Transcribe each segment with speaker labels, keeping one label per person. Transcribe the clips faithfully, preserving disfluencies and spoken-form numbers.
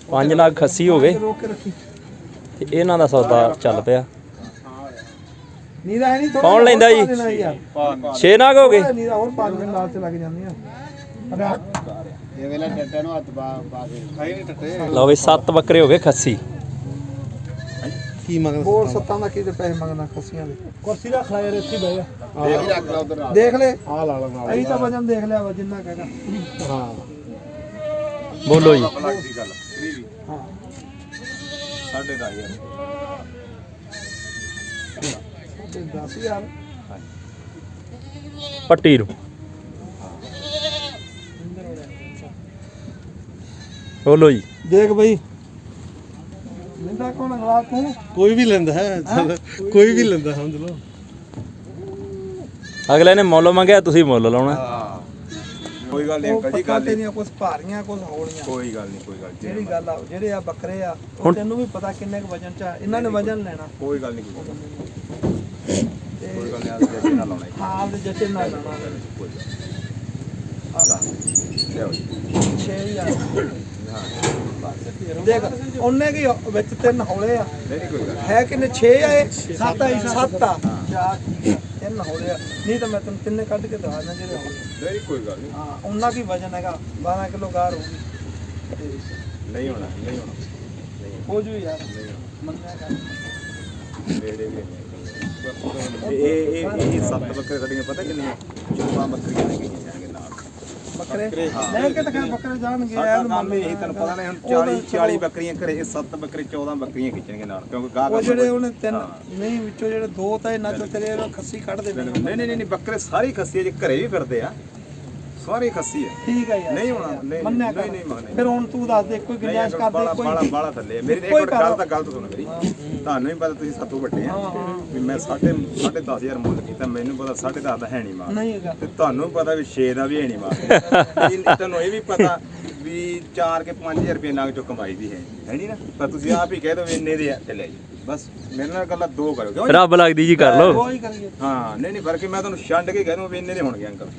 Speaker 1: पांच लाख खस्सी हो गए ते इन्हां दा सौदा चल पिया। कौन लेंदा जी? छे नाग हो गए। लो बई सत्त बकरे हो गए खस्सी।
Speaker 2: बोल सत्तां दा की पैसे मंगना खस्सियां दे? कुर्सी रख ला यार, इत्थे बह जा, देख ले आ ला ला अही तो वजन देख लिया वा जिन्ना कहगा। हां
Speaker 1: बोलो जी।
Speaker 2: हां
Speaker 3: साढ़े दस हज़ार
Speaker 2: दस हज़ार
Speaker 1: पट्टी रू बोलो जी।
Speaker 2: देख भाई लेंदा कौन अगला तू?
Speaker 4: कोई भी लेंदा है, कोई भी लेंदा समझ लो।
Speaker 1: अगले ने मुੱਲ ਮੰਗਿਆ ਤੁਸੀਂ ਮੁੱਲ ਲਾਉਣਾ।
Speaker 3: कोई गल नहीं अंकल जी, गल
Speaker 2: नहीं कुछ भारियां कुछ हौलियां।
Speaker 3: कोई गल नहीं कोई गल
Speaker 2: ਜਿਹੜੀ ਗੱਲ ਆ ਜਿਹੜੇ ਆ ਬੱਕਰੇ ਆ ਉਹ ਤੈਨੂੰ ਵੀ ਪਤਾ ਕਿੰਨੇ ਕੁ ਵਜਨ ਚ ਆ, ਇਹਨਾਂ ਨੇ ਵਜਨ ਲੈਣਾ।
Speaker 3: कोई गल नहीं कोई गल नहीं आज जैसे ना लाਉਣਾ
Speaker 2: ਹਾਲ ਦੇ ਜੱਟੇ ਨਾਲ ਲਾਉਣਾ। ਛੇ ਹਜ਼ਾਰ ਦੇਖ ਉਹਨੇ ਕੀ ਵਿੱਚ ਤਿੰਨ ਹੌਲੇ ਆ ਹੈ ਕਿੰਨੇ ਛੇ ਆ ਇਹ ਸੱਤ ਆ ਸੱਤ ਆ ਤਿੰਨ ਹੌਲੇ ਆ ਨਹੀਂ ਤਾਂ ਮੈਂ ਤੈਨੂੰ ਤਿੰਨੇ ਕੱਢ ਕੇ ਦਵਾ ਦਾਂ ਜਿਹੜੇ ਹੌਲੇ
Speaker 3: नहीं कोई गल नहीं।
Speaker 2: ਹਾਂ ਉਹਨਾਂ ਕੀ ਵਜਨ ਹੈਗਾ ਬਾਰਾਂ ਕਿਲੋ ਗਾਰ ਹੋਊਗੀ
Speaker 3: नहीं होना नहीं होना
Speaker 2: ਹੋ ਜੂ ਯਾਰ ਮੰਨਿਆ ਕਰ
Speaker 3: ਇਹ ਇਹ ਇਹ ਸੱਤ ਬੱਕਰੇ ਸਾਡੀਆਂ ਪਤਾ ਕਿੰਨੀਆਂ ਚੌਦਾਂ ਬੱਕਰੀਆਂ ਨੇ ਗਈਆਂ ਜਾਣਗੇ ਨਾਲ
Speaker 2: ਬੱਕਰੇ ਲੈ ਕੇ ਤਾਂ ਬੱਕਰੇ ਜਾਣਗੇ
Speaker 3: ਸਾਡਾ
Speaker 2: ਯਾਰ
Speaker 3: ਕੰਮ ਇਹੀ ਤੈਨੂੰ ਪਤਾ ਨਹੀਂ ਹੁਣ ਚਾਲੀ ਚਾਲੀ ਬੱਕਰੀਆਂ ਘਰੇ ਇਹ ਸੱਤ ਬੱਕਰੇ ਚੌਦਾਂ ਬੱਕਰੀਆਂ ਖਿੱਚਣਗੇ ਨਾਲ ਕਿਉਂਕਿ ਗਾਹਕ
Speaker 2: ਉਹ ਜਿਹੜੇ ਉਹਨੇ ਤਿੰਨ ਨਹੀਂ ਵਿੱਚੋਂ ਜਿਹੜੇ ਦੋ ਤਾਂ ਇਹਨਾਂ ਚੋਂ ਤੇਰੇ ਖੱਸੀ ਕੱਢ ਦੇ
Speaker 3: ਨਹੀਂ ਨਹੀਂ ਨਹੀਂ ਬੱਕਰੇ ਸਾਰੇ ਖੱਸੀ ਜੇ ਘਰੇ ਵੀ ਫਿਰਦੇ ਆ ਸਾਰੇ ਖੱਸੀ ਆ।
Speaker 2: ਠੀਕ ਆ ਯਾਰ
Speaker 3: ਨਹੀਂ ਹੋਣਾ ਨਹੀਂ
Speaker 2: ਮੰਨਿਆ
Speaker 3: ਨਹੀਂ ਨਹੀਂ ਮੰਨਿਆ
Speaker 2: ਫਿਰ ਹੁਣ ਤੂੰ ਦੱਸ ਦੇ ਕੋਈ ਗੁੰਜਾਇਸ਼ ਕਰ ਦੇ ਕੋਈ
Speaker 3: ਬਾਲਾ ਬਾਲਾ ਥੱਲੇ ਮੇਰੀ ਇੱਕ ਮਿੰਟ ਗੱਲ ਤਾਂ ਗਲਤ ਸੁਣ ਮੇਰੀ ਤੁਹਾਨੂੰ ਵੀ ਪਤਾ ਤੁਸੀਂ ਸਾਤੋਂ ਵੱਡੇ ਆ ਵੀ ਮੈਂ ਸਾਢੇ ਸਾਢੇ ਦਸ ਹਜ਼ਾਰ ਮੁੱਲ ਕੀਤਾ ਮੈਨੂੰ ਪਤਾ ਸਾਢੇ ਦਸ ਦਾ ਹੈ ਨਹੀਂ ਮਾਰ
Speaker 2: ਨਹੀਂ ਹੈਗਾ
Speaker 3: ਤੇ ਤੁਹਾਨੂੰ ਪਤਾ ਵੀ ਛੇ ਦਾ ਵੀ ਹੈ ਨਹੀਂ ਮਾਰ ਤੁਹਾਨੂੰ ਇਹ ਵੀ ਪਤਾ ਵੀ ਚਾਰ ਕੇ ਪੰਜ ਹਜ਼ਾਰ ਰੁਪਏ ਨਾਗ ਚੋਂ ਕਮਾਈ ਦੀ ਹੈ ਹੈ ਨਹੀਂ ਨਾ ਪਰ ਤੁਸੀਂ ਆਪ ਹੀ ਕਹਿ ਦੋ ਵੀ ਇੰਨੇ ਦੇ ਆ ਤੇ ਲੈ ਜੀ ਬਸ ਮੇਰੇ ਨਾਲ ਗੱਲਾਂ ਦੋ ਕਰੋ ਕਿਉਂ
Speaker 1: ਰੱਬ ਲੱਗਦੀ ਜੀ ਕਰ ਲੋ।
Speaker 2: ਕੋਈ ਕਰੀਏ
Speaker 3: ਹਾਂ ਨਹੀਂ ਨਹੀਂ ਫਰਕ ਮੈਂ ਤੁਹਾਨੂੰ ਛੱਡ ਕੇ ਕਹਿ ਦੂੰ ਵੀ ਇੰਨੇ ਦੇ ਹੋਣਗੇ ਅੰਕਲ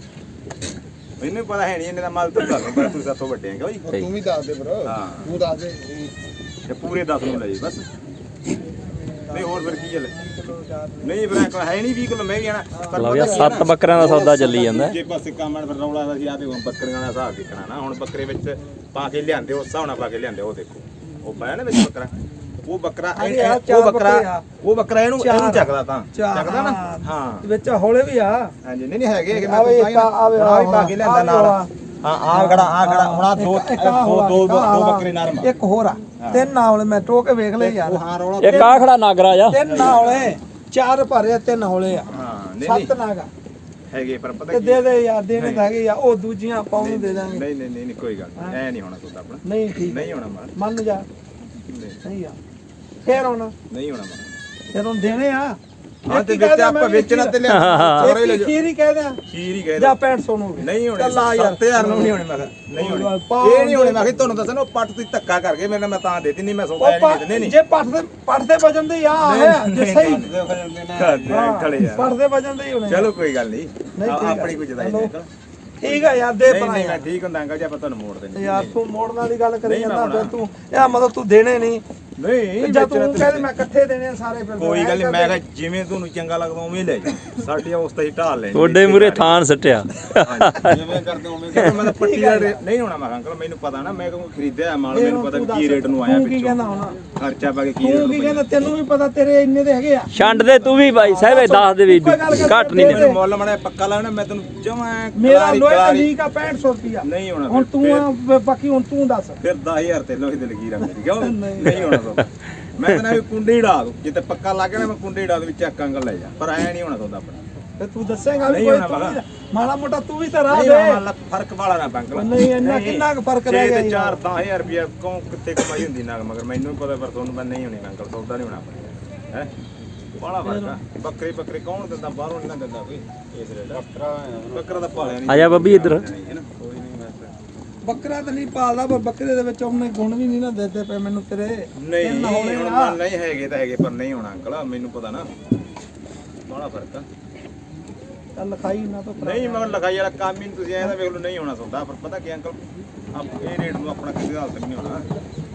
Speaker 3: ਮੈਨੂੰ ਪਤਾ ਹੈ ਨਹੀਂ ਇਹਨੇ ਦਾ ਮਾਲ ਤਾਂ ਤੁਹਾਨੂੰ ਪਰ ਤੁਸੀਂ ਸਾਥੋਂ ਵੱਡੇ ਆ ਕਿਉਂ
Speaker 4: ਤੂੰ ਵੀ ਦੱਸ ਦੇ ਬ్రో,
Speaker 3: ਹਾਂ
Speaker 4: ਤੂੰ ਦੱਸ ਦੇ
Speaker 3: ਤੇ ਪੂਰੇ ਦਸ ਨੂੰ ਲੈ ਜੀ ਬਸ ਨਹੀਂ ਹੋਰ ਫਿਰ ਕੀ ਹੈ ਨਹੀਂ ਫਿਰ ਅੰਕਲ ਹੈ ਨਹੀਂ ਵੀਹ ਕਿਲੋ ਮੈਂ ਵੀ ਆਣਾ
Speaker 1: ਲਓ ਯਾਰ ਸੱਤ ਬੱਕਰਿਆਂ ਦਾ ਸੌਦਾ ਚੱਲੀ ਜਾਂਦਾ।
Speaker 3: ਜੇ ਪਾਸੇ ਕੰਮ ਫਿਰ ਰੌਲਾ ਸੀ ਆ ਤੇ ਹੁਣ ਬੱਕਰੀਆਂ ਦਾ ਹਿਸਾਬ ਦੇਖਣਾ ਨਾ ਹੁਣ ਬੱਕਰੇ ਵਿੱਚ ਪਾ ਕੇ ਲਿਆਂਦੇ ਉਸ ਹਿਸਾਬ ਨਾਲ ਪਾ ਕੇ ਲਿਆਂਦੇ ਉਹ ਦੇਖੋ ਉਹ ਪਾਇਆ ਨਾ ਵਿੱਚ ਬੱਕਰਾ ਉਹ ਬੱਕਰਾ ਉਹ ਬੱਕਰਾ ਉਹ ਬੱਕਰਾ ਇਹਨੂੰ ਇਹਨੂੰ ਚੱਕਦਾ ਤਾਂ ਚੱਕਦਾ ਨਾ ਹਾਂ
Speaker 2: ਵਿੱਚ ਹੌਲੇ ਵੀ ਆ
Speaker 3: ਹਾਂਜੀ ਨਹੀਂ ਨਹੀਂ ਹੈਗੇ ਹੈਗੇ ਮੈਂ ਆ ਵੀ ਪਾ ਕੇ ਲਿਆਂਦਾ ਨਾਲ ਹਾਂ ਆ ਖੜਾ ਆ ਖੜਾ ਹੁਣ ਆ ਦੋ ਦੋ ਦੋ ਬੱਕਰੇ ਨਰਮ
Speaker 2: ਇੱਕ ਹੋਰ ਆ ਤਿੰਨ ਹੌਲੇ ਮੈਂ ਟੋ ਕੇ ਵੇਖ ਲਏ ਯਾਰ
Speaker 3: ਹਾਂ ਰੌਲਾ
Speaker 1: ਇੱਕ ਆ ਖੜਾ ਨਾਗਰਾ ਜਾ
Speaker 2: ਤਿੰਨ ਹੌਲੇ ਚਾਰ ਭਰੇ ਤਿੰਨ ਹੌਲੇ ਆ
Speaker 3: ਹਾਂ ਨਹੀਂ
Speaker 2: ਸੱਤ ਨਾਗਾ
Speaker 3: ਹੈਗੇ ਪਰ ਪਤਾ
Speaker 2: ਤੇ ਦੇ ਦੇ ਯਾਰ ਦੇਣੇ ਤਾਂ ਹੈਗੇ ਆ ਉਹ ਦੂਜੀਆਂ ਆਪਾਂ ਉਹਨੂੰ ਦੇ ਦਾਂਗੇ
Speaker 3: ਨਹੀਂ ਨਹੀਂ ਨਹੀਂ ਕੋਈ ਗੱਲ ਨਹੀਂ ਐ ਨਹੀਂ ਹੋਣਾ ਤੁਹਾਡਾ ਆਪਣਾ
Speaker 2: ਨਹੀਂ ਠੀਕ
Speaker 3: ਨਹੀਂ ਹੋਣਾ ਮਾਰ
Speaker 2: ਮੰਨ ਜਾ ਨਹੀਂ ਆ ਫੇਰ ਹੁਣ
Speaker 3: ਨਹੀਂ ਹੋਣਾ ਮਾਰ
Speaker 2: ਫਿਰ ਹੁਣ ਦੇਣੇ ਆ
Speaker 3: ਹਾਂ ਤੇ ਵਿੱਚ ਆਪਾਂ ਵੇਚਣਾ ਤੇ ਲਿਆ ਸਾਰੇ ਲੈ ਜਾ
Speaker 2: ਖੀਰ ਹੀ ਕਹਿ ਦਿਆਂ
Speaker 3: ਖੀਰ ਹੀ ਕਹਿ
Speaker 2: ਜਾਂ ਪੈਂਠ ਸੌ ਨੂੰ
Speaker 3: ਨਹੀਂ ਹੋਣੇ
Speaker 2: ਚੱਲ ਆ ਯਾਰ
Speaker 3: ਸੱਤ ਹਜ਼ਾਰ ਨੂੰ ਨਹੀਂ ਹੋਣੇ ਮੈਂ ਨਹੀਂ ਹੋਣੇ ਇਹ ਨਹੀਂ ਹੋਣੇ ਮੈਂ ਕਿਹਾ ਤੁਹਾਨੂੰ ਦੱਸਣਾ ਉਹ ਪੱਟ ਤੁਸੀਂ ਧੱਕਾ ਕਰਕੇ ਮੇਰੇ ਨਾਲ ਮੈਂ ਤਾਂ ਦੇਤੀ ਨਹੀਂ ਮੈਂ ਸੌਦਾ ਨਹੀਂ ਨਹੀਂ ਨਹੀਂ
Speaker 2: ਜੇ ਪੱਟ ਦੇ ਪੱਟ ਦੇ ਵਜਨ ਦੇ ਆ ਹੈ ਜੇ ਸਹੀ
Speaker 3: ਖੜੇ ਯਾਰ
Speaker 2: ਪੱਟ ਦੇ ਵਜਨ ਦੇ ਹੀ ਹੋਣੇ
Speaker 3: ਚਲੋ ਕੋਈ ਗੱਲ ਨਹੀਂ ਆਪਣੀ ਕੋਈ ਜਦਾਈ ਨਹੀਂ
Speaker 2: ਠੀਕ ਆ ਯਾਰ ਦੇ
Speaker 3: ਨਹੀਂ ਨਹੀਂ ਮੈਂ ਠੀਕ ਹੁੰਦਾ ਅੰਕਲ ਜੀ ਆਪਾਂ ਤੁਹਾਨੂੰ ਮੋੜ ਦੇਣੀ
Speaker 2: ਯਾਰ ਤੂੰ ਮੋੜਨ ਵਾਲੀ ਗੱਲ ਕਰੀ ਜਾਂਦਾ ਫਿਰ ਤੂੰ ਇਹ ਮਤਲਬ ਤੂੰ ਦੇਣੇ ਨਹੀਂ
Speaker 3: ਨਹੀਂ
Speaker 2: ਜਦ ਤੂੰ ਕਹਿੰਦੇ ਮੈਂ ਇਕੱਠੇ ਦੇਣੇ ਆ ਸਾਰੇ ਫਿਰ
Speaker 3: ਕੋਈ ਗੱਲ ਨਹੀਂ ਮੈਂ ਕਿਹਾ ਜਿਵੇਂ ਤੁਹਾਨੂੰ ਚੰਗਾ ਲੱਗਦਾ ਉਵੇਂ ਲੈ ਜਾ ਸਾਡੀ ਉਸ ਤੇ ਹੀ ਢਾਲ ਲੈਣੀ
Speaker 1: ਤੁਹਾਡੇ ਮੂਰੇ ਥਾਨ ਸੱਟਿਆ
Speaker 3: ਜਿਵੇਂ ਕਰਦੇ ਉਵੇਂ ਮੈਂ ਤਾਂ ਪੱਟੀ ਦਾ ਨਹੀਂ ਹੋਣਾ ਮੈਂ ਅੰਕਲ ਮੈਨੂੰ ਪਤਾ ਨਾ ਮੈਂ ਕਿਉਂ ਖਰੀਦਿਆ ਮਾਲ ਮੈਨੂੰ ਪਤਾ ਕੀ ਰੇਟ ਨੂੰ ਆਇਆ
Speaker 2: ਤੂੰ ਕੀ ਕਹਿੰਦਾ ਹੁਣ
Speaker 3: ਖਰਚਾ ਪਾ ਕੇ ਕੀ
Speaker 2: ਤੂੰ ਕੀ ਕਹਿੰਦਾ ਤੈਨੂੰ ਵੀ ਪਤਾ ਤੇਰੇ ਇੰਨੇ ਦੇ ਹੈਗੇ ਆ
Speaker 1: ਛੰਡ ਦੇ ਤੂੰ ਵੀ ਬਾਈ ਸਾਹਿਬ ਦੱਸ ਦੇ ਵੀ ਘੱਟ ਨਹੀਂ
Speaker 3: ਮੈਨੂੰ ਮੁੱਲ ਮੜਾ ਪੱਕਾ ਲਾਉਣਾ ਮੈਂ ਤੈਨੂੰ ਜਮਾ
Speaker 2: ਮੇਰਾ ਲੋਹੇ ਦਾ ਲੀਕ ਆ ਪੈਂਹਠ ਸੌ ਰੁਪਿਆ
Speaker 3: ਨਹੀਂ ਹੋਣਾ
Speaker 2: ਹੁਣ ਤੂੰ ਬਾਕੀ ਹੁਣ ਤੂੰ ਦੱਸ
Speaker 3: ਫਿਰ ਦਸ ਹਜ਼ਾਰ ਤੇ ਲੋਹੇ ਦੇ ਲਗੀ ਰੱਖ ਕਿਉਂ ਨਹੀਂ ਹੋਣਾ ਮੈਂ ਕਹਿੰਦਾ ਵੀ ਕੁੰਡੀ ਢਾ ਦੂੰ ਜਿੱਤੇ ਪੱਕਾ ਲੱਗ ਗਿਆ ਮੈਂ ਕੁੰਡੀ ਢਾ ਦੇ ਵਿੱਚ ਚੱਕ ਅੰਗਲ ਲੈ ਜਾ ਪਰ ਐ ਨਹੀਂ ਹੋਣਾ ਤੁਹਾਡਾ ਆਪਣਾ
Speaker 2: ਤੇ ਤੂੰ ਦੱਸੇਗਾ ਵੀ ਕੋਈ ਤੂੰ ਮਾੜਾ ਮੋਟਾ ਤੂੰ ਵੀ ਤਾਂ ਰਾਹ ਦੇ
Speaker 3: ਨਹੀਂ ਫਰਕ ਵਾਲਾ ਨਾ ਬੰਕਲ
Speaker 2: ਨਹੀਂ ਇੰਨਾ ਕਿੰਨਾ ਕੁ ਫਰਕ ਰਹਿ ਗਿਆ
Speaker 3: ਚਾਰ ਦਸ ਹਜ਼ਾਰ ਰੁਪਏ ਕੌਂ ਕਿੱਥੇ ਕਮਾਈ ਹੁੰਦੀ ਨਾ ਮਗਰ ਮੈਨੂੰ ਵੀ ਪਤਾ ਪਰ ਤੁਹਾਨੂੰ ਮੈਂ ਨਹੀਂ ਹੋਣੀ ਅੰਕਲ ਸੌਦਾ ਨਹੀਂ ਹੋਣਾ ਆਪਣਾ ਹੈ ਬੜਾ ਫਰਕ ਆ ਬੱਕਰੇ ਬੱਕਰੇ ਕੌਣ ਦਿੰਦਾ ਬਾਹਰੋਂ ਨਹੀਂ ਦਿੰਦਾ ਕੋਈ ਇਸ ਰੇਟ ਬੱਕਰਾ ਬੱਕਰਾ ਤਾਂ ਪਾਲਿਆ ਨਹੀਂ
Speaker 1: ਆ ਜਾ ਬੱਬੀ ਇੱਧਰ
Speaker 3: ਕੋਈ ਨਹੀਂ ਮੈਂ
Speaker 2: ਬੱਕਰਾ ਤਾਂ ਨਹੀਂ ਪਾਲਦਾ ਪਰ ਬੱਕਰੇ ਦੇ ਵਿੱਚ ਉਹਨੇ ਗੁਣ ਵੀ ਨਹੀਂ ਨਾ ਦਿੱਤੇ ਪਏ ਮੈਨੂੰ ਤੇਰੇ
Speaker 3: ਨਹੀਂ ਹੁਣ ਨਹੀਂ ਹੈਗੇ ਤਾਂ ਹੈਗੇ ਪਰ ਨਹੀਂ ਹੋਣਾ ਅੰਕਲ ਮੈਨੂੰ ਪਤਾ ਨਾ ਬੜਾ ਫਰਕ ਆ
Speaker 2: ਚੱਲ ਲਿਖਾਈ ਨਾ ਤਾਂ
Speaker 3: ਨਹੀਂ ਮਗਰ ਲਿਖਾਈ ਵਾਲਾ ਕੰਮ ਹੀ ਤੁਸੀਂ ਐਂ ਤਾਂ ਵੇਖ ਲਓ ਨਹੀਂ ਹੋਣਾ ਸੌਦਾ ਪਰ ਪਤਾ ਕੀ ਅੰਕਲ ਆਪ ਇਹ ਰੇਟ ਨੂੰ ਆਪਣਾ ਕਿਸੇ ਹਾਲਤ ਨਹੀਂ ਹੋਣਾ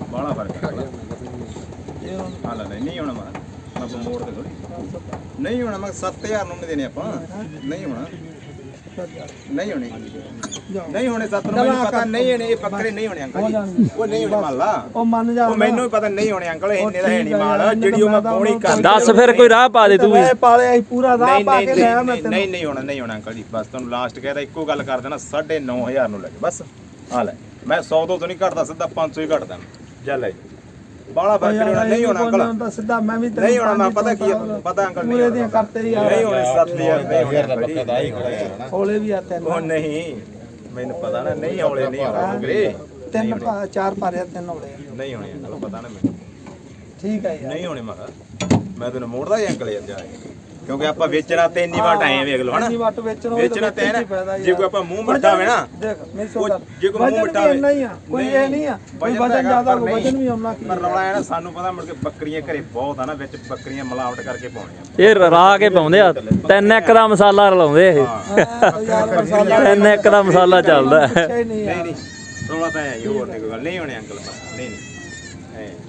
Speaker 3: ਬਾਹਲਾ ਫਰਕ ਹੈ
Speaker 2: ਇਹ ਹੁਣ
Speaker 3: ਹਾਂ ਲੈ ਨਹੀਂ ਹੋਣਾ ਮੈਂ ਮੈਂ ਮੋੜ ਤੇ ਥੋੜੀ ਨਹੀਂ ਹੋਣਾ ਮੈਂ ਸੱਤ ਹਜ਼ਾਰ ਨੂੰ ਨਹੀਂ ਦੇਣੇ ਆਪਾਂ ਨਹੀਂ ਹੋਣਾ ਨਹੀਂ ਹੋਣੇ ਨਹੀਂ ਹੋਣੇ ਸੱਤ ਨੂੰ ਮੈਨੂੰ ਪਤਾ ਨਹੀਂ ਹੋਣੇ ਇਹ ਬੱਕਰੇ ਨਹੀਂ ਹੋਣੇ ਅੰਕਲ ਜੀ ਉਹ ਨਹੀਂ ਹੋਣੇ ਮੰਨ ਲਾ
Speaker 2: ਉਹ ਮੰਨ ਜਾ
Speaker 3: ਉਹ ਮੈਨੂੰ ਵੀ ਪਤਾ ਨਹੀਂ ਹੋਣੇ ਅੰਕਲ ਇੰਨੇ ਦਾ ਹੈ ਨਹੀਂ ਮਾਲ ਜਿਹੜੀ ਉਹ ਮੈਂ ਪੌਣੀ ਕਰ
Speaker 1: ਦੱਸ ਫਿਰ ਕੋਈ ਰਾਹ ਪਾ ਦੇ ਤੂੰ ਵੀ
Speaker 2: ਮੈਂ ਪਾਲਿਆ ਸੀ ਪੂਰਾ ਰਾਹ
Speaker 3: ਨਹੀਂ
Speaker 2: ਪਾ ਕੇ ਲਿਆ ਮੈਂ
Speaker 3: ਨਹੀਂ
Speaker 2: ਤੈਨੂੰ
Speaker 3: ਨਹੀਂ ਨਹੀਂ ਹੋਣਾ ਨਹੀਂ ਹੋਣਾ ਅੰਕਲ ਜੀ ਬਸ ਤੁਹਾਨੂੰ ਲਾਸਟ ਕਹਿਦਾ ਇੱਕੋ ਗੱਲ ਕਰ ਦੇਣਾ ਸਾਢੇ ਨੌ ਹਜ਼ਾਰ ਨੂੰ ਲੈ ਕੇ ਬਸ ਆ ਲੈ ਮੈਂ ਸੌ ਤੋਂ ਨਹੀਂ ਘਟਦਾ ਸਿੱਧਾ ਪੰਜ ਸੌ ਹੀ ਘਟਦਾ ਜਾ ਲੈ ਬਾਲਾ ਫਰਕ ਨਹੀਂ ਹੋਣਾ ਨਹੀਂ ਹੋਣਾ ਅੰਕਲ
Speaker 2: ਤਾਂ ਸਿੱਧਾ ਮੈਂ ਵੀ
Speaker 3: ਨਹੀਂ ਹੋਣਾ ਮੈਂ ਪਤਾ ਕੀ ਪਤਾ ਅੰਕਲ ਨਹੀਂ
Speaker 2: ਪੂਰੇ ਦੀਆਂ ਕਰਤੇ ਯਾਰ
Speaker 3: ਨਹੀਂ ਹੋਣੇ ਸੱਤ ਹਜ਼ਾਰ ਨਹੀਂ ਹੋਣੇ ਬੱਕਾ ਦਾ ਹੀ
Speaker 2: ਹੌਲੇ ਵੀ ਆ ਤਿੰਨ
Speaker 3: ਉਹ ਨਹੀਂ ਮੈਨੂੰ ਪਤਾ ਨਾ ਨਹੀਂ ਹੌਲੇ ਨਹੀਂ ਹੋਣੇ ਬੱਕਰੇ
Speaker 2: ਤਿੰਨ ਪਾ- ਚਾਰ ਪਾਰਿਆ ਤਿੰਨ ਹੌਲੇ ਆ।
Speaker 3: ਨਹੀਂ ਹੋਣੇ ਅੰਕਲ ਪਤਾ ਨਾ ਮੈਨੂੰ
Speaker 2: ਠੀਕ ਹੈ ਯਾਰ
Speaker 3: ਨਹੀਂ ਹੋਣੇ ਮੈਂ ਕਿਹਾ ਮੈਂ ਤੈਨੂੰ ਮੋੜਦਾ ਹੀ ਅੰਕਲ ਯਾਰ ਜਾ ਕੇ। ਕਿਉਂਕਿ ਆਪਾਂ ਵੇਚਣਾ ਤੇ ਇੰਨੀ ਵਾਟ ਆਏ ਵੇਖ ਲਓ ਹਨਾ
Speaker 2: ਇੰਨੀ ਵੱਟ ਵੇਚਣ ਹੋਵੇ
Speaker 3: ਵੇਚਣਾ ਤੇ ਹੈ ਨਾ ਜੇ ਕੋਈ ਆਪਾਂ ਮੂੰਹ ਮਿੱਠਾ ਹੋਵੇ ਨਾ
Speaker 2: ਦੇਖ ਮੇਰੀ ਸੋ
Speaker 3: ਉਹ
Speaker 2: ਗੱਲ
Speaker 3: ਜੇ ਕੋਈ ਮੂੰਹ ਮਿੱਠਾ ਹੋਵੇ
Speaker 2: ਨਹੀਂ ਆ ਕੋਈ ਇਹ ਨਹੀਂ ਆ ਕੋਈ ਵਜਨ ਜ਼ਿਆਦਾ ਹੋਵੇ ਵਜਨ ਵੀ ਆਉਣਾ ਕੀ
Speaker 3: ਪਰ ਰੌਲਾ ਹੈ ਨਾ ਸਾਨੂੰ ਪਤਾ ਮੁੜ ਕੇ ਬੱਕਰੀਆਂ ਘਰੇ ਬਹੁਤ ਆ ਨਾ ਵਿੱਚ ਬੱਕਰੀਆਂ ਮਿਲਾਵਟ ਕਰਕੇ ਪਾਉਣੀਆਂ
Speaker 1: ਇਹ ਰਾ ਕੇ ਪਾਉਂਦੇ ਆ ਤਿੰਨ ਇੱਕ ਦਾ ਮਸਾਲਾ ਰਲਾਉਂਦੇ ਇਹ
Speaker 2: ਆ, ਯਾਰ ਮਸਾਲਾ
Speaker 1: ਤਿੰਨ ਇੱਕ ਦਾ ਮਸਾਲਾ ਚੱਲਦਾ ਹੈ।
Speaker 2: ਅੱਛਾ ਹੀ ਨਹੀਂ
Speaker 3: ਨਹੀਂ
Speaker 2: ਆ
Speaker 3: ਨਹੀਂ ਰੌਲਾ ਤਾਂ ਹੈ ਹੀ, ਹੋਰ ਨਹੀਂ ਕੋਈ ਗੱਲ ਨਹੀਂ ਹੋਣੇ ਅੰਕਲ ਬਸ ਨਹੀਂ ਨਹੀਂ ਐਂ।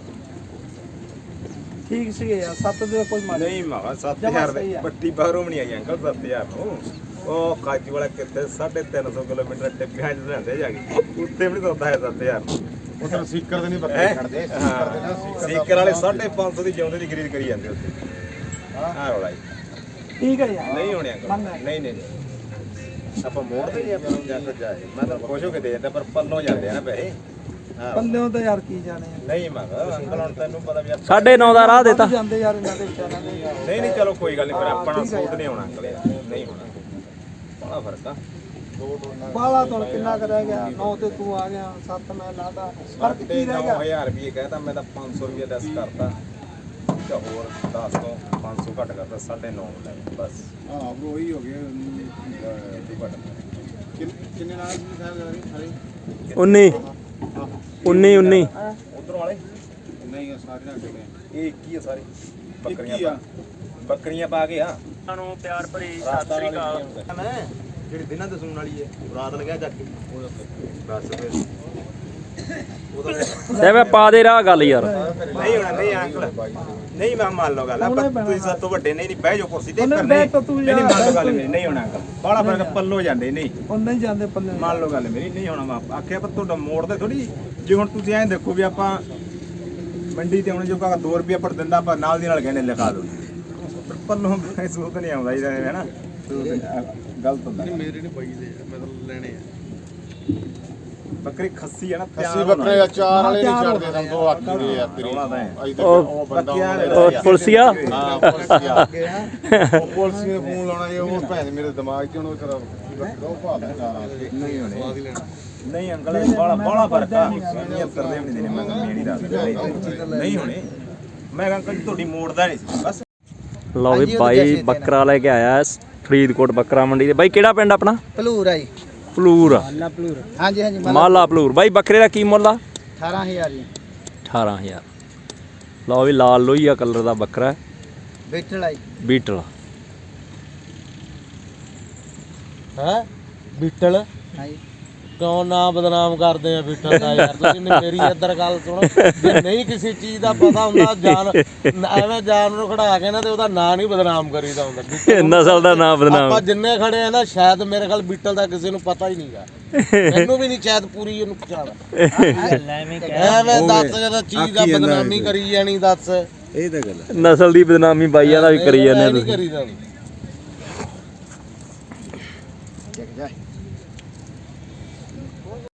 Speaker 2: ਠੀਕ ਸੀਗੇ ਯਾਰ ਸੱਤ ਦੇ ਕੋਈ ਮਾਰ
Speaker 3: ਨਹੀਂ ਮਾਵਾ ਸੱਤ
Speaker 2: ਜਮਾਂ
Speaker 3: ਹਜ਼ਾਰ
Speaker 2: ਸਹੀ
Speaker 3: ਦੇ
Speaker 2: ਆ।
Speaker 3: ਪੱਟੀ ਬਾਹਰੋਂ ਵੀ ਨਹੀਂ ਆਈ ਅੰਕਲ ਸੱਤ ਹਜ਼ਾਰ ਨੂੰ ਉਹ ਕਾਜੀ ਵਾਲਾ ਕਿੱਥੇ ਸਾਢੇ ਤਿੰਨ ਸੌ ਕਿਲੋਮੀਟਰ ਟਿੱਪਿਆਂ ਚ ਲੈਂਦੇ ਜਾ ਕੇ ਉੱਤੇ ਵੀ ਨਹੀਂ ਸੌਦਾ ਹੈ ਸੱਤ ਹਜ਼ਾਰ ਨੂੰ
Speaker 4: ਉਧਰ ਸੀਕਰ ਦੇ ਨਹੀਂ ਬੱਕਰੇ
Speaker 3: ਹੈਂ?
Speaker 4: ਖੜਦੇ
Speaker 3: ਹਾਂ ਸੀਕਰ ਵਾਲੇ ਸਾਢੇ ਪੰਜ ਸੌ ਦੀ ਜਿਉਂਦੇ ਦੀ ਖਰੀਦ ਕਰੀ ਜਾਂਦੇ ਉੱਥੇ ਹਾਂ ਰੌਲਾ ਜੀ
Speaker 2: ਠੀਕ ਹੈ ਯਾਰ
Speaker 3: ਨਹੀਂ ਹੋਣੇ ਅੰਕਲ
Speaker 2: ਮੰਨ ਲੈ।
Speaker 3: ਨਹੀਂ ਨਹੀਂ ਨਹੀਂ। ਆਪਾਂ ਮੋੜਦੇ ਨਹੀਂ ਆਪਾਂ ਨੂੰ ਜੱਟ ਜਾਏ ਮੈਂ ਤਾਂ ਖੁਸ਼ ਹੋ ਕੇ ਦੇ ਦਿੰਦਾ ਪਰ ਪੱਲੋਂ ਜਾਂਦੇ ਆ ਨਾ ਪੈਸੇ ਹਾਂ
Speaker 2: ਪੱਲਿਓਂ ਤਾਂ ਯਾਰ ਕੀ ਜਾਣੇ ਆ
Speaker 3: ਨਹੀਂ ਮੰਗਾ ਅੰਕਲ ਹੁਣ ਤੈਨੂੰ ਪਤਾ ਵੀ ਆਪਾਂ-
Speaker 1: ਸਾਢੇ ਨੌ ਦਾ ਰਾਹ ਦੇਤਾ
Speaker 2: ਵੱਧ ਜਾਂਦੇ ਯਾਰ ਇਹਨਾਂ ਦੇ ਵਿਚਾਰਾਂ ਦੇ ਯਾਰ
Speaker 3: ਨਹੀਂ ਨਹੀਂ ਚਲੋ ਕੋਈ ਗੱਲ ਨਹੀਂ ਪਰ ਆਪਣਾ ਸੂਟ ਨਹੀਂ ਹੋਣਾ ਅੰਕਲ ਯਾਰ ਨਹੀਂ ਹੋਣਾ ਬੜਾ ਫਰਕ ਆ
Speaker 2: ਬਾਲਾ ਤੋਂ ਕਿੰਨਾ ਕਰ ਰਹਿ ਗਿਆ ਨੌ ਤੇ ਤੂੰ ਆ ਗਿਆ ਸੱਤ ਮੈਂ ਲਾਦਾ ਫਰਕ ਕੀ ਰਹਿ ਗਿਆ
Speaker 3: ਨੌ ਹਜ਼ਾਰ ਰੁਪਏ ਕਹਿਤਾ ਮੈਂ ਤਾਂ ਪੰਜ ਸੌ ਰੁਪਏ ਲੈਸ ਕਰਤਾ ਤੇ ਹੋਰ ਦਸ ਤੋਂ ਪੰਜ ਸੌ ਘੱਟ ਕਰਤਾ ਸਾਢੇ ਨੌ ਲੈ ਬਸ
Speaker 4: ਹਾਂ ਬ్రో ਉਹੀ ਹੋ ਗਿਆ ਕਿੰਨੇ ਨਾਲ ਦੀ ਸਾਰੀ
Speaker 1: ਉੱਨੀ ਉੱਨੀ ਉੱਨੀ
Speaker 3: ਉਧਰੋਂ ਵਾਲੇ
Speaker 4: ਨਹੀਂ ਉਹ ਸਾਰੇ ਨਾਲ ਗਏ
Speaker 3: ਇਹ ਕੀ ਆ ਸਾਰੇ ਬੱਕਰੀਆਂ
Speaker 4: ਕੀ ਆ
Speaker 3: ਪਾ- ਬੱਕਰੀਆਂ ਪਾ ਕੇ ਆ
Speaker 1: ਨੂੰ ਪਿਆਰ ਭਰੀ
Speaker 3: ਸਤਿ ਸ੍ਰੀ ਅਕਾਲ ਮੈਂ ਜਿਹੜੀ ਦਿਨਾਂ ਤੇ ਸੂਣ ਵਾਲੀ ਹੈ ਰਾਤ ਲਗਿਆ ਚੱਕ ਕੇ ਬਸ ਫਿਰ
Speaker 1: ਤੇ ਮੈਂ ਪਾ ਦੇ ਰਾਹ ਗੱਲ ਯਾਰ
Speaker 3: ਨਹੀਂ ਹੋਣਾ ਨਹੀਂ ਅੰਕਲ ਨਹੀਂ ਮੈਂ ਮੰਨ ਲਓ ਗੱਲ ਆਪਾਂ ਤੁਸੀਂ ਸਭ ਤੋਂ ਵੱਡੇ ਨਹੀਂ ਨਹੀਂ ਬਹਿ ਜਾਓ ਕੁਰਸੀ ਤੇ
Speaker 2: ਉਹਨੇ
Speaker 3: ਪਰ
Speaker 2: ਬਹਿ
Speaker 3: ਨਹੀਂ
Speaker 2: ਤਾਂ ਤੂੰ
Speaker 3: ਨਹੀਂ
Speaker 2: ਯਾਰ।
Speaker 3: ਮੰਨ ਲਓ ਗੱਲ ਮੇਰੀ ਨਹੀਂ ਹੋਣਾ ਅੰਕਲ ਬਾਹਲਾ ਫਰਕ ਪੱਲੋ ਜਾਂਦੇ ਨਹੀਂ
Speaker 2: ਉਹ ਨਹੀਂ ਜਾਂਦੇ ਪੱਲੇ
Speaker 3: ਮੰਨ ਲਓ ਗੱਲ ਮੇਰੀ ਨਹੀਂ ਹੋਣਾ ਮੈਂ ਆਖਿਆ ਪਰ ਤੁਹਾਡਾ ਮੋੜਦੇ ਥੋੜੀ ਜੇ ਹੁਣ ਤੁਸੀਂ ਐਂ ਦੇਖੋ ਵੀ ਆਪਾਂ ਮੰਡੀ ਤੇ ਹੁਣ ਜੋ ਕਾ ਦੋ ਰੁਪਏ ਪਰ ਦਿੰਦਾ ਆਪਾਂ ਨਾਲ ਦੀ ਨਾਲ ਕਹਿੰਦੇ ਲਿਖਾ ਲਓ ਪਰ ਪੱਲੋਂ ਸੂਤ ਨਹੀਂ ਆਉਂਦਾ ਇਹਦਾ ਹੈ ਨਾ ਗਲਤ ਹੁੰਦਾ
Speaker 4: ਮੇਰੇ ਨਹੀਂ ਪਈ ਦੇ ਮੈਂ ਤਾਂ ਲੈਣੇ ਆ
Speaker 3: ਬੱਕਰੀ ਖੱਸੀ ਹੈ ਨਾ
Speaker 4: ਅਸੀਂ ਬੱਕਰੇ ਆ ਚਾਰ ਵਾਲੇ ਨਹੀਂ ਛੱਡਦੇ ਸਾਨੂੰ ਤੋਂ ਅੱਖ ਦੇ ਯਾਰ ਤੇਰੀ
Speaker 3: ਰੌਲਾ ਤਾਂ ਹੈ।
Speaker 4: ਅਜੇ
Speaker 1: ਉਹ-
Speaker 4: ਤੱਕ ਉਹ ਬੰਦਾ
Speaker 1: ਉਹ ਪੁਲਸੀਆ
Speaker 4: ਹਾਂ ਪੁਲਸੀਆ ਉਹ ਪੁਲਿਸ ਨੇ ਫੋਨ ਲਾਉਣਾ ਜੇ ਉਹ ਭੈਣ ਮੇਰੇ ਦਿਮਾਗ 'ਚ ਹੁਣ ਉਹ ਕਰਾ ਬੱਕਰਾ ਉਹ ਭਾਲ ਚਾਰਾਂ
Speaker 3: ਨਹੀਂ ਹੋਣੇ ਨਹੀਂ ਅੰਕਲ ਇਹ ਬੜਾ ਬੜਾ ਫਰਕ ਆ ਸੱਤਰ ਦੇ ਵੀ ਨਹੀਂ ਦੇਣੇ ਮੈਂ ਤਾਂ ਮੇਰੀ ਰਾਤ ਨਹੀਂ ਹੋਣੇ ਮੈਂ ਅੰਕਲ ਜੀ ਤੁਹਾਡੀ ਮੋੜਦਾ ਨਹੀਂ ਸੀ ਬਸ
Speaker 1: ਲਓ ਵੀ ਬਾਈ ਬੱਕਰਾ ਲੈ ਕੇ ਆਇਆ ਫਰੀਦਕੋਟ ਬੱਕਰਾ ਮੰਡੀ ਦੇ ਬਾਈ ਕਿਹੜਾ ਪਿੰਡ ਆਪਣਾ
Speaker 2: ਭਲੂਰ ਆਈ
Speaker 1: ਪਲੂਰ
Speaker 2: ਮਾਲਾ ਭਲੂਰ ਹਾਂਜੀ ਹਾਂਜੀ
Speaker 1: ਮਾਲਾ ਪਲੂਰ ਬਾਈ ਬੱਕਰੇ ਦਾ ਕੀ ਮੁੱਲ ਆ
Speaker 2: ਅਠਾਰਾਂ ਹਜ਼ਾਰ ਜੀ
Speaker 1: ਅਠਾਰਾਂ ਹਜ਼ਾਰ ਲਓ ਵੀ ਲਾਲ ਲੋਹੀਆ ਕਲਰ ਦਾ ਬੱਕਰਾ ਹੈ,
Speaker 2: ਬੇਟਲ ਆਈ
Speaker 1: ਬੀਟਲ
Speaker 5: ਹੈ ਬੀਟਲ
Speaker 2: ਹਾਂਜੀ
Speaker 5: ਕਿਉਂ ਨਾ ਬਦਨਾਮ ਕਰਦੇ ਆ ਬੀਟਲ ਦਾ ਯਾਰ ਤੁਸੀਂ ਨੇ ਮੇਰੀ ਇੱਧਰ ਗੱਲ ਸੁਣੋ ਜੇ ਨਹੀਂ ਕਿਸੇ ਚੀਜ਼ ਦਾ ਪਤਾ ਹੁੰਦਾ ਜਾਨ ਐਵੇਂ ਜਾਨ ਨੂੰ ਖੜਾ ਕੇ ਨਾ ਤੇ ਉਹਦਾ ਨਾਂ ਨਹੀਂ ਬਦਨਾਮ ਕਰੀਦਾ ਹੁੰਦਾ ਬੀਟਲ
Speaker 1: ਨਸਲ ਦਾ ਨਾਮ ਬਦਨਾਮ
Speaker 5: ਆਪਾਂ ਜਿੰਨੇ ਖੜੇ ਆ ਨਾ ਸ਼ਾਇਦ ਮੇਰੇ ਖਿਆਲ ਬੀਟਲ ਦਾ ਕਿਸੇ ਨੂੰ ਪਤਾ ਹੀ ਨਹੀਂਗਾ ਮੈਨੂੰ ਵੀ ਨਹੀਂ ਸ਼ਾਇਦ ਪੂਰੀ ਇਹਨੂੰ ਪਛਾਣ ਐਵੇਂ ਦੱਸ ਜਿਹੜਾ ਚੀਜ਼ ਦਾ ਬਦਨਾਮੀ ਕਰੀ ਜਾਣੀ ਦੱਸ
Speaker 4: ਇਹ ਤਾਂ ਗੱਲ
Speaker 1: ਨਸਲ ਦੀ ਬਦਨਾਮੀ ਬਾਈਆਂ ਦਾ ਵੀ ਕਰੀ ਜਾਂਦੇ
Speaker 5: ਨਹੀਂ
Speaker 1: ਤੁਸੀਂ
Speaker 5: ਕਰੀਦਾ